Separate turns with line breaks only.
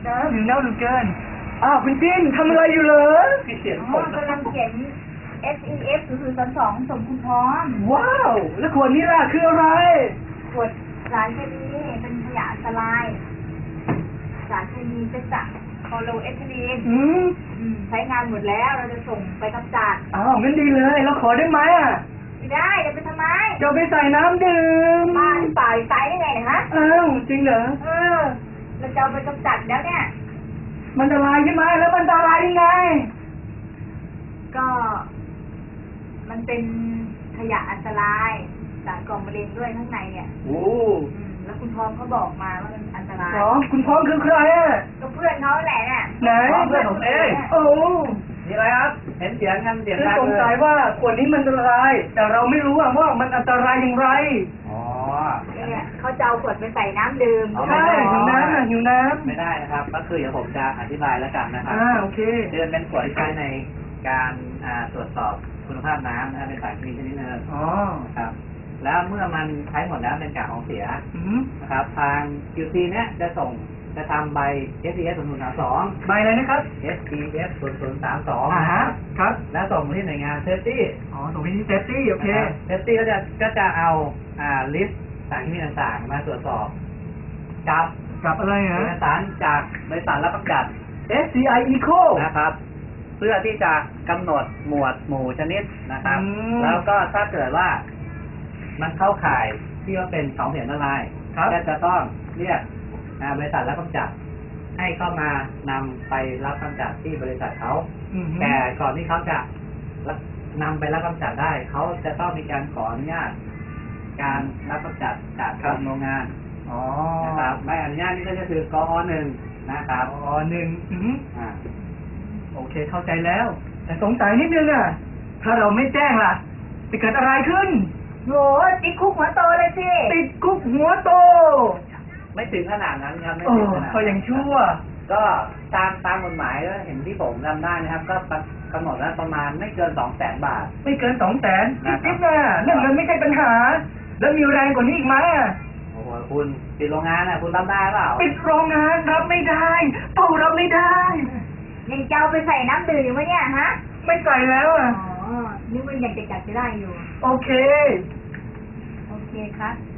หิวน้ำเหลือเกินคุณจิ้นทำอะไรอยู่เหรอ
เขียนผม
กำลังเขียน SEF 002ส่งคุณพร้อม
ว้าวแล้วขวดนี้ล่ะคืออะไร
ขวดสารเคมีเป็นขยะอันตรายสารเคมีเป็นจากคลอโรเอทิลีนใช้งานหมดแล้วเราจะส่งไปกำจัด
งั้นดีเลยเราขอได้ไหม
ไม่ได้จะไปทำไม
จะไปใส่น้ำดื่ม
บ้านป่าใส่ได้ไงเนี่ยฮะ
จริงเหรอ
เราจะเอาไปกำจัดแล้วเนี่ย
มันอันตรายใช่ไหมแล้วมันอันตรายยังไง
ก็มันเป็นขยะอันตรายสารก่อมะเร็งด้วยข้างในเนี่ยแล้วคุณพร้อมเขาบอกมาว่ามันอันตราย
คุณพร้อมคือใคร
ก็เพื่อนเขาแหละน่ะ
ไหน
เพื่อนผมเองนี่อะไรครับเห็นเสียงกันเสียงดังเลย
สงสัยว่าขวดนี้มันอันตรายแต่เราไม่รู้ว่ามันอันตรายอย่างไร
เนี่ยเขาจะเอาขวดไปใส่น้ำดื่ม
ใช่หิวน้ำ
ไม่ได้นะครับก็คือเดี๋ยวผมจะอธิบายแล้วกันนะครับ
โอเค
เดือนเป็นขวดที่ใช้ในการตรวจสอบคุณภาพน้ำนะครับเป็นสารเคมีชนิดหนึ่งครับแล้วเมื่อมันใช้หมดแล้วเป็นกากของเสียนะครับทาง QC เนี่ยจะทำใบ SEF 0032
ใบอะไรนะครับ
SEF 0032นะครับแล้วส่งมาที่หน่วยงาน Safety
ส่งไปที่ Safety โอเค
Safety ก็จะเอาลิสต์สารเคมีต่างๆมาตรวจสอบ
กับอะไรฮะ
เอกสารจากบริษัทรับประกัน
SCI Eco
นะครับเพื่อที่จะกำหนดหมวดหมู่ชนิดนะครับแล้วก็ถ้าเกิดว่ามันเข้าข่ายที่ว่าเป็นของเสียอันตรายก็จะต้องเรียกบริษัทรับกำจัดให้เข้ามานำไปรับกำจัดที่บริษัทเขาแต่ก่อนที่เขาจะนำไปรับกำจัดได้เขาจะต้องมีการขออนุญาตการรับกำจัดจากทางโรงงานนะครับใบอนุญาตนี่ก็จะคือกอ.1นะครับ
โอเคเข้าใจแล้วแต่สงสัยนิดนึงถ้าเราไม่แจ้งล่ะจะเกิดอะไรขึ้น
โหติดคุกหัวโตเลยสิ
ติดคุกหัวโต
ไม่ถึงขนาดนั้นครับไม่
ถึงขนาดเขายังชั่ว
ก็ตามกฎหมายแล้วเห็นที่ผมจำได้นะครับก็กำหนดแล้วประมาณไม่เกิน 200,000 บาท
ไม่เกิน 200,000นิดๆเรื่องเงินไม่ใช่ปัญหาแล้วมีแรงกว่านี้อีกไหม
โอ้โหคุณปิดโรงงานคุณรับได้เปล่า
ปิดโรงงานรับไม่ได้เป้ารับไม่ได้
ยังจะเอาไปใส่น้ำดื่มอยู่ไหมเนี่ยฮะ
ไม่ใส่แล้ว
นึกว่ายังจะจัดจะได้อยู่
โอเค
ครับ